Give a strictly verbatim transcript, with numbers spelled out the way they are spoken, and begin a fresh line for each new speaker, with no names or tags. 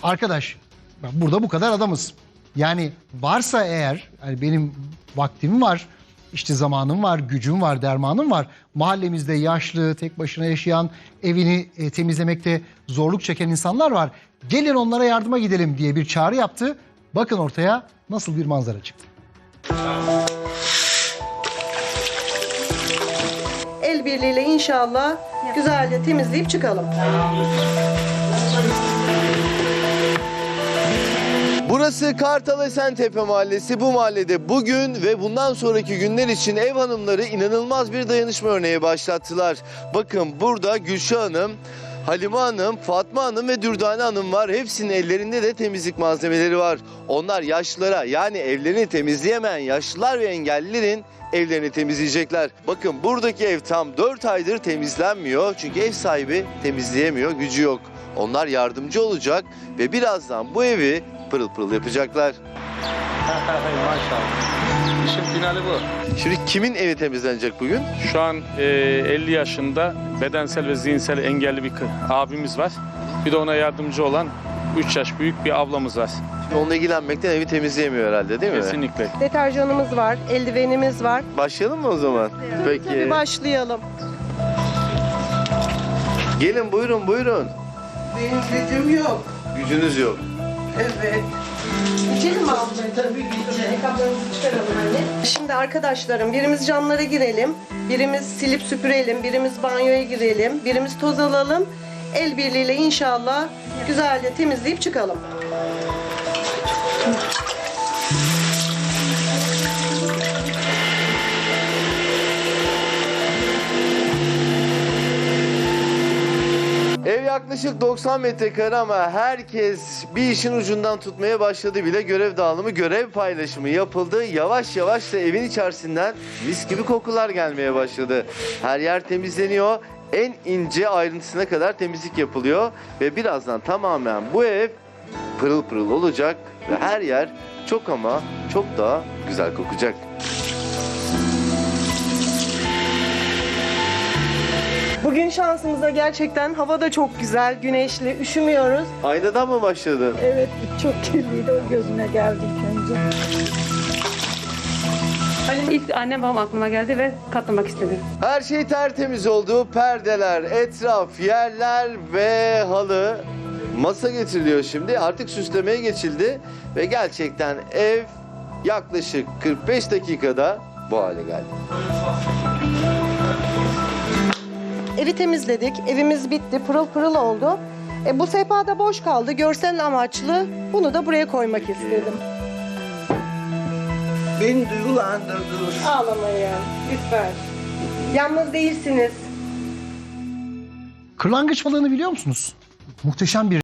Arkadaş, bak burada bu kadar adamız. Yani varsa eğer, yani benim vaktim var, işte zamanım var, gücüm var, dermanım var. Mahallemizde yaşlı, tek başına yaşayan, evini e, temizlemekte zorluk çeken insanlar var. Gelin onlara yardıma gidelim diye bir çağrı yaptı. Bakın ortaya nasıl bir manzara çıktı.
El birliğiyle inşallah güzelce temizleyip çıkalım.
Burası Kartal Esentepe Mahallesi. Bu mahallede bugün ve bundan sonraki günler için ev hanımları inanılmaz bir dayanışma örneği başlattılar. Bakın burada Gülşah Hanım, Halime Hanım, Fatma Hanım ve Dürdane Hanım var. Hepsinin ellerinde de temizlik malzemeleri var. Onlar yaşlılara, yani evlerini temizleyemeyen yaşlılar ve engellilerin evlerini temizleyecekler. Bakın buradaki ev tam dört aydır temizlenmiyor. Çünkü ev sahibi temizleyemiyor, gücü yok. Onlar yardımcı olacak ve birazdan bu evi pırıl pırıl yapacaklar.
Maşallah. İşin finali bu.
Şimdi kimin evi temizlenecek bugün?
Şu an e, elli yaşında bedensel ve zihinsel engelli bir kı- abimiz var. Bir de ona yardımcı olan üç yaş büyük bir ablamız var.
Şimdi onunla ilgilenmekten evi temizleyemiyor herhalde, değil mi?
Kesinlikle.
Deterjanımız var, eldivenimiz var.
Başlayalım mı o zaman? Peki.
Tabii başlayalım.
Gelin buyurun buyurun.
Benim gücüm yok.
Gücünüz yok.
Evet.
İçelim mi abla? Tabii içelim. Kablarımızı çıkaralım anne. Şimdi arkadaşlarım birimiz camlara girelim, birimiz silip süpürelim, birimiz banyoya girelim, birimiz toz alalım. El birliğiyle inşallah güzelce temizleyip çıkalım.
Ev yaklaşık doksan metrekare ama herkes bir işin ucundan tutmaya başladı bile. Görev dağılımı, görev paylaşımı yapıldı. Yavaş yavaş da evin içerisinden mis gibi kokular gelmeye başladı. Her yer temizleniyor. En ince ayrıntısına kadar temizlik yapılıyor. Ve birazdan tamamen bu ev pırıl pırıl olacak. Ve her yer çok ama çok daha güzel kokacak.
Bugün şansımıza gerçekten hava da çok güzel, güneşli, üşümüyoruz.
Aynadan mı başladın?
Evet, çok kirliydi, o gözüme geldi ilk önce.
İlk annem babam aklıma geldi ve katlamak istedim.
Her şey tertemiz oldu. Perdeler, etraf, yerler ve halı. Masa getiriliyor şimdi. Artık süslemeye geçildi. Ve gerçekten ev yaklaşık kırk beş dakikada bu hale geldi.
Evi temizledik, evimiz bitti, pırıl pırıl oldu. E, bu sehpa da boş kaldı, görsel amaçlı. Bunu da buraya koymak istedim.
Beni duygulandırdınız.
Ağlamayın, lütfen. Yalnız değilsiniz.
Kırlangıç balığını biliyor musunuz? Muhteşem bir